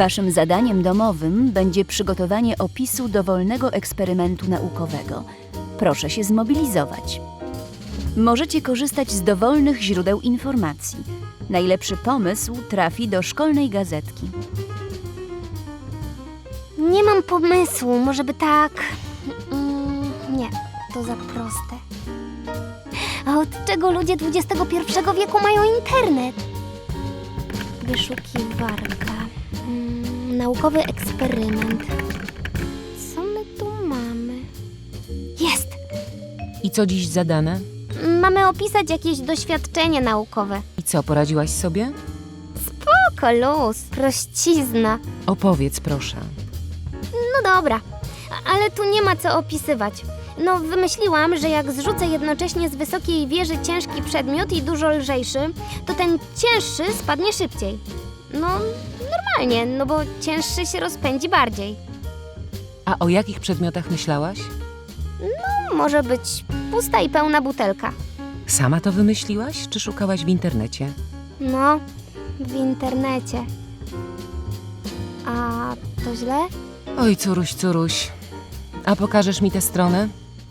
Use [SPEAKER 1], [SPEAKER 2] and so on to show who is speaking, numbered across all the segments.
[SPEAKER 1] Waszym zadaniem domowym będzie przygotowanie opisu dowolnego eksperymentu naukowego. Proszę się zmobilizować. Możecie korzystać z dowolnych źródeł informacji. Najlepszy pomysł trafi do szkolnej gazetki.
[SPEAKER 2] Nie mam pomysłu, może by tak... nie, to za proste. A od czego ludzie XXI wieku mają internet? Wyszukiwarka. Naukowy eksperyment. Co my tu mamy? Jest!
[SPEAKER 3] I co dziś zadane?
[SPEAKER 2] Mamy opisać jakieś doświadczenie naukowe.
[SPEAKER 3] I co, poradziłaś sobie?
[SPEAKER 2] Spoko, luz, prościzna.
[SPEAKER 3] Opowiedz, proszę.
[SPEAKER 2] No dobra, ale tu nie ma co opisywać. No, wymyśliłam, że jak zrzucę jednocześnie z wysokiej wieży ciężki przedmiot i dużo lżejszy, to ten cięższy spadnie szybciej. No, normalnie, no bo cięższy się rozpędzi bardziej.
[SPEAKER 3] A o jakich przedmiotach myślałaś?
[SPEAKER 2] Może być pusta i pełna butelka.
[SPEAKER 3] Sama to wymyśliłaś, czy szukałaś w internecie?
[SPEAKER 2] No, w internecie. A to źle?
[SPEAKER 3] Oj, curuś, curuś. A pokażesz mi tę stronę?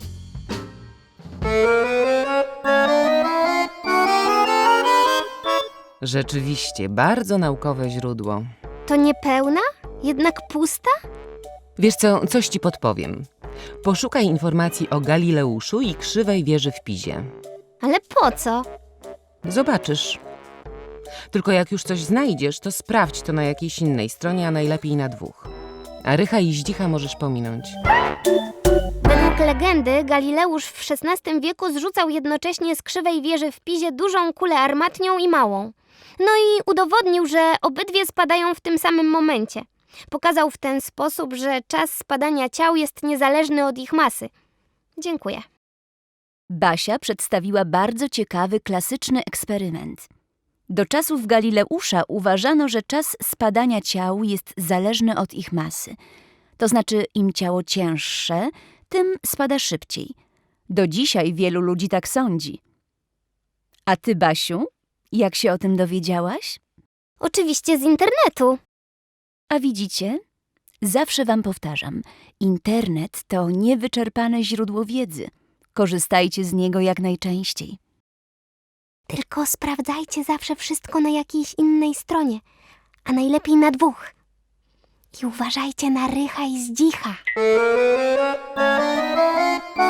[SPEAKER 3] Rzeczywiście, bardzo naukowe źródło.
[SPEAKER 2] To nie pełna? Jednak pusta?
[SPEAKER 3] Wiesz co, coś ci podpowiem. Poszukaj informacji o Galileuszu i krzywej wieży w Pizie.
[SPEAKER 2] Ale po co?
[SPEAKER 3] Zobaczysz. Tylko jak już coś znajdziesz, to sprawdź to na jakiejś innej stronie, a najlepiej na dwóch. A Rycha i Zdzicha możesz pominąć.
[SPEAKER 2] Według legendy Galileusz w XVI wieku zrzucał jednocześnie z krzywej wieży w Pizie dużą kulę armatnią i małą. No i udowodnił, że obydwie spadają w tym samym momencie. Pokazał w ten sposób, że czas spadania ciał jest niezależny od ich masy. Dziękuję.
[SPEAKER 1] Basia przedstawiła bardzo ciekawy, klasyczny eksperyment. Do czasów Galileusza uważano, że czas spadania ciał jest zależny od ich masy. To znaczy, im ciało cięższe, tym spada szybciej. Do dzisiaj wielu ludzi tak sądzi. A ty, Basiu, jak się o tym dowiedziałaś?
[SPEAKER 2] Oczywiście z internetu.
[SPEAKER 1] A widzicie? Zawsze wam powtarzam, internet to niewyczerpane źródło wiedzy. Korzystajcie z niego jak najczęściej.
[SPEAKER 2] Tylko sprawdzajcie zawsze wszystko na jakiejś innej stronie, a najlepiej na dwóch. I uważajcie na Rycha i Zdzicha.